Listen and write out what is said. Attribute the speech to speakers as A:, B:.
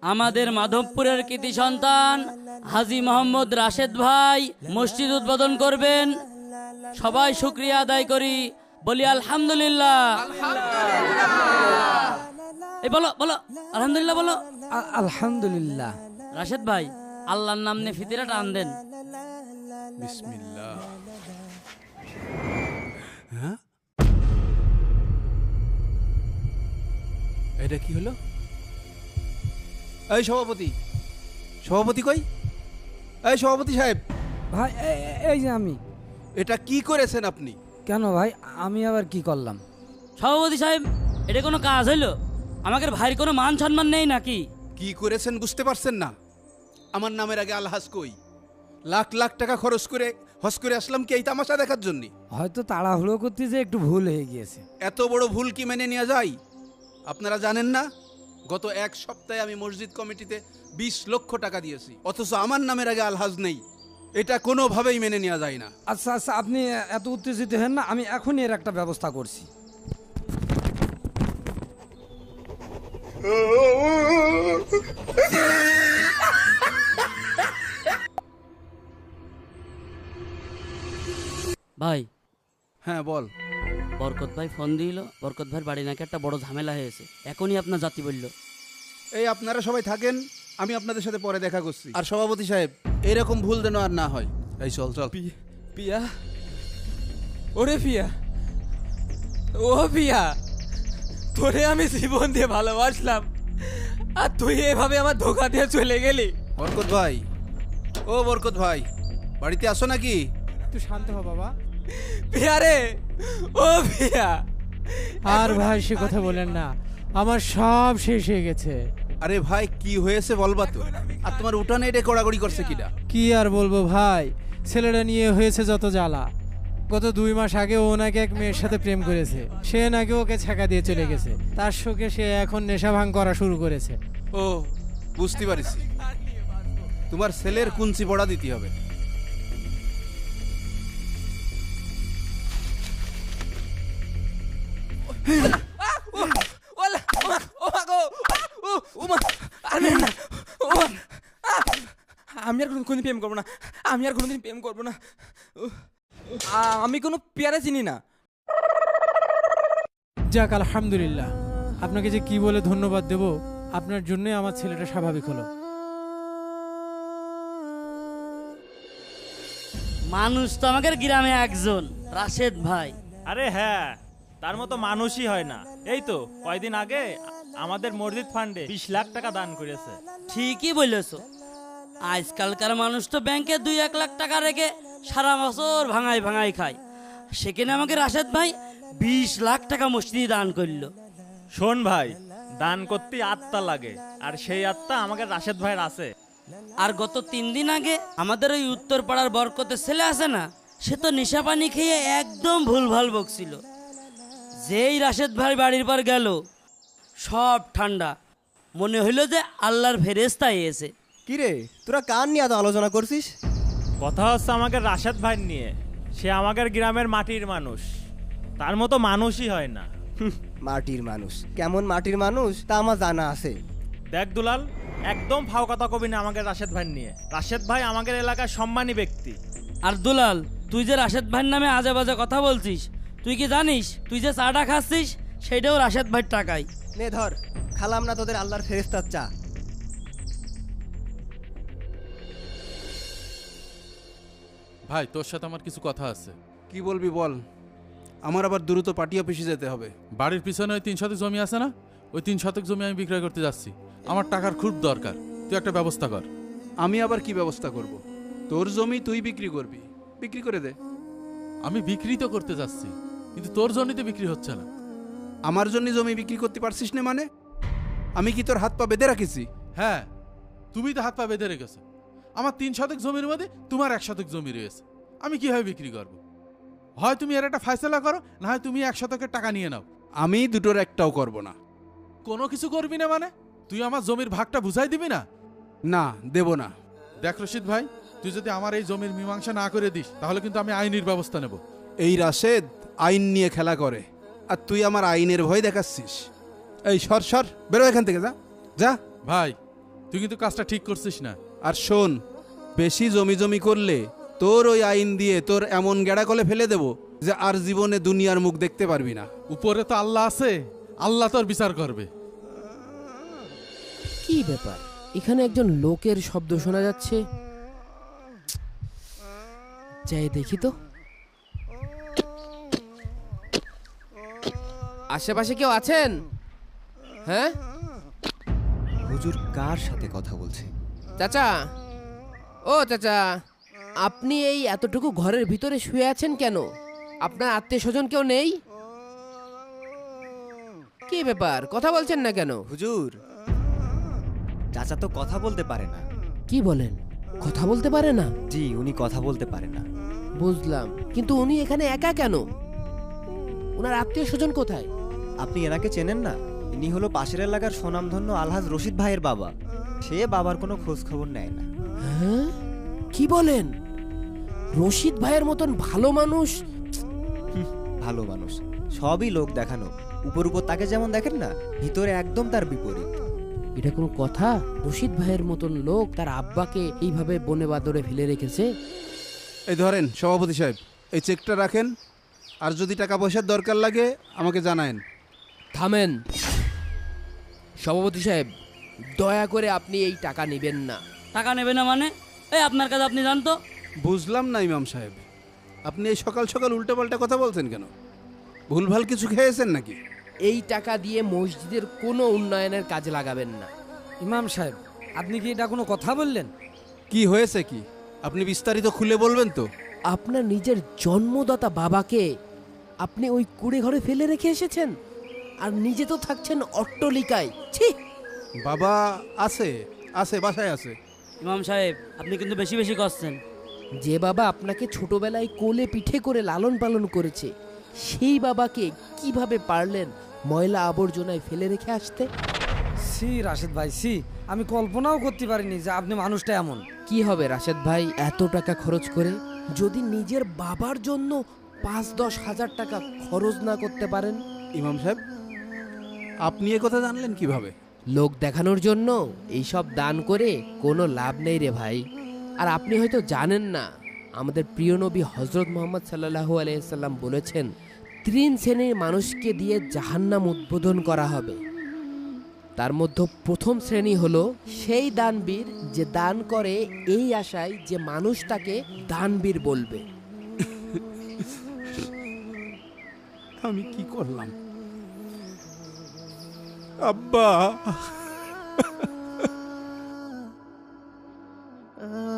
A: আমাদের মাধবপুরের কৃতি সন্তান হাজী মোহাম্মদ রাশেদ ভাই মসজিদ উদ্বোধন করবেন। সবাই শুকরিয়া আদায় করি, বলি আলহামদুলিল্লাহ। এই বলো বলো আলহামদুলিল্লাহ বলো।
B: আলহামদুলিল্লাহ।
A: রাশেদ ভাই, আল্লাহর নাম নিয়ে ফিতিরা টান দেন।
C: বিসমিল্লাহ। হ্যাঁ, এটা কি হলো? এই সভাপতি, সভাপতি কই? এই সভাপতি সাহেব,
B: ভাই এই যে আমি।
C: এটা কি করেছেন আপনি?
B: কেন ভাই, আমি আবার কি করলাম?
A: সভাপতি সাহেব, এটা কোনো কাজ হইলো? আমাদের ভাইয়ের কোনো মান সম্মান নেই নাকি?
C: কি করেছেন বুঝতে পারছেন না? আমার নামের আগে আলহাজ কই? লাখ লাখ টাকা খরচ করে হজ করে আসলাম কি এই তামাশা দেখার জন্য?
B: হয়তো তাড়াহুড়ো করতে যে একটু ভুল হয়ে গিয়েছে।
C: এত বড় ভুল কি মেনে নেওয়া যায়? আপনারা জানেন না, গত এক সপ্তাহে আমি মসজিদ কমিটিতে 20 লক্ষ টাকা দিয়েছি, অথচ আমার নামের আগে আলহাজ নেই। এটা কোনোভাবেই মেনে নেওয়া যায় না।
B: আচ্ছা আচ্ছা, আপনি এত উত্তেজিত হেন না, আমি এখনই এর একটা ব্যবস্থা করছি।
A: ভাই,
C: হ্যাঁ বল।
A: বরকত ভাই ফোন দিল, বরকত ভাইয়ের বাড়ি নাকি একটা বড় ঝামেলা হয়েছে, এখনই আপনার জাতি বলল।
C: এই আপনারা সবাই থাকেন, আমি আপনাদের সাথে পরে দেখা করছি। আর সভাপতি সাহেব, এরকম ভুল যেন আর না হয়। এই চল চল।
D: পিয়া, ওরে পিয়া, ও পিয়া, তোরে আমি জীবন দিয়ে ভালোবাসলাম, আর তুই এভাবে আমার ধোকা দিয়ে চলে গেলি।
C: বরকত ভাই, ও বরকত ভাই, বাড়িতে আসো নাকি?
E: তুই শান্ত হ বাবা।
D: পিয়া রে, ও পিয়া।
E: আর ভাই সে কথা বলেন না, আমার সব শেষ হয়ে গেছে।
C: আরে ভাই, কি হয়েছে বলবা তো? আর তোমার উঠানে এটা কড়াকড়ি করছে কিনা?
E: কি আর বলবো ভাই, ছেলেটা নিয়ে হয়েছে যত জ্বালা। গত 2 মাস আগে ও নাকি এক মেয়ের সাথে প্রেম করেছে, সে নাকি ওকে ছ্যাঁকা দিয়ে চলে গেছে। তার শোকে সে এখন নেশা ভাঙ করা শুরু করেছে।
C: ও, বুঝতে পারিছি। তোমার ছেলের কুঞ্চি পড়া দিতে হবে।
D: আমি আর কোনোদিন প্রেম করবো না, আমি আর কোনোদিন প্রেম করবো না। আমি কোনো পেয়ারে চিনি না।
E: যাক আলহামদুলিল্লাহ, আপনাকে যে কি বলে ধন্যবাদ দেব, আপনার জন্যই আমার ছেলেটা স্বাভাবিক হলো।
A: মানুষ তো আমাদের গ্রামে একজন, রাশেদ ভাই।
F: আরে হ্যাঁ, তার মতো মানুষই হয় না। এই তো কয়দিন আগে আমাদের মসজিদ ফান্ডে 20 লাখ টাকা দান করেছে।
A: ঠিকই বলেছো, আজকালকার মানুষ তো ব্যাংকে 2-1 লাখ টাকা রেখে সারা বছর ভাঙাই ভাঙাই খায়, সেখানে আমাকে রাশেদ ভাই 20 লাখ টাকা মসজিদে দান করলো।
F: শোন ভাই, দান করতে আত্মা লাগে, আর সেই আত্মা আমাকে রাশেদ ভাইয়ের আছে।
A: আর গত 3 দিন আগে আমাদের ওই উত্তর পাড়ার বরকতের ছেলে আছে না, সে তো নেশা পানি খেয়ে একদম ভুলভাল বকছিল। যেই রাশেদ ভাই বাড়ির পর গেল, সব ঠান্ডা, মনে হইলো যে আল্লাহর ফেরেশতা এসে।
G: কিরে, তোরা কার নিয়ে এত আলোচনা করছিস?
F: কথা হচ্ছে আমাকে রাশেদ ভাই নিয়ে। সে আমাদের গ্রামের মাটির মানুষ, তার মতো মানুষই হয় না।
G: মাটির মানুষ? কেমন মাটির মানুষ তা আমার জানা আছে।
F: দেখ দুলাল, একদম ফাও কথা কবি না আমাকে রাশেদ ভাই নিয়ে। রাশেদ ভাই আমাদের এলাকার সম্মানী ব্যক্তি।
A: আর দুলাল, তুই যে রাশেদ ভাইয়ের নামে আজে বাজে কথা বলছিস, তুই কি জানিস তুই যে চাটা খাচ্ছিস সেটাও রাশেদ ভাইয়ের টাকায়।
G: নে ধর, খালাম না তোদের আল্লাহর ফেরেশতার চা।
H: ভাই, তোর সাথে আমার কিছু কথা আছে।
C: কি বলবি বল। আমার আবার দ্রুত পার্টি অফিসে যেতে হবে।
H: বাড়ির পিছনে ওই 3 শতক জমি আছে না, ওই 3 শতক জমি আমি বিক্রয় করতে যাচ্ছি। আমার টাকার খুব দরকার, তুই একটা ব্যবস্থা কর।
C: আমি আবার কি ব্যবস্থা করব? তোর জমি তুই বিক্রি করবি, বিক্রি করে দে।
H: আমি বিক্রি তো করতে যাচ্ছি, কিন্তু তোর জমিতে বিক্রি হচ্ছে না।
C: আমার জন্য জমি বিক্রি করতে পারছিস না মানে? আমি কি তোর হাত পা বেঁধে রাখিছি?
H: হ্যাঁ, তুমি তো হাত পা বেঁধে রেখেছো। আমার 3 শতক জমির মধ্যে তোমার 1 শতক জমি রয়েছে, আমি কিভাবে বিক্রি করব? হয় তুমি এর একটা ফয়সালা করো, না হয় তুমি 1 শতকের টাকা নিয়ে নাও।
C: আমি দুটোর একটাও করব না।
H: কোনো কিছু করবি না মানে? তুই আমার জমির ভাগটা বুঝাই দিবি না?
C: না, দেব না।
H: দেখ রশিদ ভাই, তুই যদি আমার এই জমির মীমাংসা না করে দিস, তাহলে কিন্তু আমি আইনের ব্যবস্থা নেব।
C: এই রাশেদ আইন নিয়ে খেলা করে, আর তুই আমার আইনের ভয় দেখাচ্ছিস। এই সর সর, বেরো এখান থেকে, যা যা।
H: ভাই, তুই কিন্তু কাজটা ঠিক করছিস না।
C: আর শোন, বেশি জমি জমি করলে তোর ওই আইন দিয়ে তোর এমন গেড়া কলে ফেলে দেব যে আর জীবনে দুনিয়ার মুখ দেখতে পারবি না।
H: উপরে তো আল্লাহ আছে, আল্লাহ তোর বিচার করবে।
I: কি ব্যাপার, এখানে একজন লোকের শব্দ শোনা যাচ্ছে। যাই দেখি তো। আশেপাশে কেউ আছেন? হ্যাঁ
G: হুজুর কার সাথে কথা বলছে?
I: চাচা, ও চাচা, আপনি এই এতটুকু ঘরের ভিতরে শুয়ে আছেন কেন? আপনার আত্মীয় স্বজন কেউ নেই? কি ব্যাপার, কথা বলছেন না কেন?
G: হুজুর, চাচা তো কথা বলতে পারে না।
I: কি বলেন, কথা বলতে পারে না?
G: জি, উনি কথা বলতে পারে না।
I: বুঝলাম, কিন্তু উনি এখানে একা কেন? ওনার আত্মীয় স্বজন কোথায়?
G: আপনি এনাকে চেনেন না? ইনি হলো পাশের এলাকার সুনামধন্য আলহাজ রশিদ ভাইয়ের বাবা। সে বাবার কোনো খোঁজ খবর নেয় না।
I: হ্যাঁ, কি বলেন? রশিদ ভাইয়ের মতন ভালো মানুষ?
G: ভালো মানুষ, সবই লোক দেখানো। উপর উপর তাকে যেমন দেখেন না, ভিতরে একদম তার বিপরীত।
I: এটা কোনো কথা? রশিদ ভাইয়ের মতন লোক তার আব্বাকে এইভাবে বনে বাদরে ফেলে রেখেছে?
C: এই ধরেন সভাপতি সাহেব, এই চেকটা রাখেন, আর যদি টাকা পয়সার দরকার লাগে আমাকে জানায়েন।
I: থামেন সভাপতি সাহেব, দয়া করে আপনি এই টাকা নেবেন না।
A: টাকা নেবে না মানে? এই আপনার কাছে আপনি জানতো?
C: বুঝলাম না ইমাম সাহেব, আপনি এই সকাল সকাল উল্টোপাল্টা কথা বলছেন কেন? ভুলভাল কিছু খেয়েছেন নাকি?
I: এই টাকা দিয়ে মসজিদের কোনো উন্নয়নের কাজে লাগাবেন না।
B: ইমাম সাহেব, আপনি কি এটা কোনো কথা বললেন?
C: কি হয়েছে কি আপনি বিস্তারিত খুলে বলবেন তো?
I: আপনার নিজের জন্মদাতা বাবাকে আপনি ওই কুড়ে ঘরে ফেলে রেখে এসেছেন, আর নিজে তো থাকছেন অট্টলিকায়। ছি!
C: বাবা আছে, আছে, বাসায় আছে।
A: ইমাম সাহেব, আপনি কিন্তু বেশি বেশি করছেন।
I: যে বাবা আপনাকে ছোটবেলায় কোলে পিঠে করে লালন পালন করেছে, সেই বাবাকে কিভাবে পারলেন ময়লা আবর্জনায় ফেলে রেখে আসতে?
B: সি রাশেদ ভাই, সি, আমি কল্পনাও করতে পারিনি যে আপনি মানুষটা এমন।
I: কি হবে রাশেদ ভাই এত টাকা খরচ করে, যদি নিজের বাবার জন্য ৫-১০ হাজার টাকা খরচ না করতে পারেন?
C: ইমাম সাহেব, আপনি এ কথা জানলেন কিভাবে?
I: লোক দেখানোর জন্য এইসব দান করে কোনো লাভ নেই রে ভাই। আর আপনি হয়তো জানেন না, আমাদের প্রিয় নবী হজরত মোহাম্মদ সাল্লাল্লাহু আলাইহি সাল্লাম বলেছেন, ৩ শ্রেণীর মানুষকে দিয়ে জাহান্নাম উদ্বোধন করা হবে। তার মধ্যে প্রথম শ্রেণী হলো সেই দানবীর যে দান করে এই আশায় যে মানুষ তাকে দানবীর বলবে।
C: আমি কি করলাম আব্বা?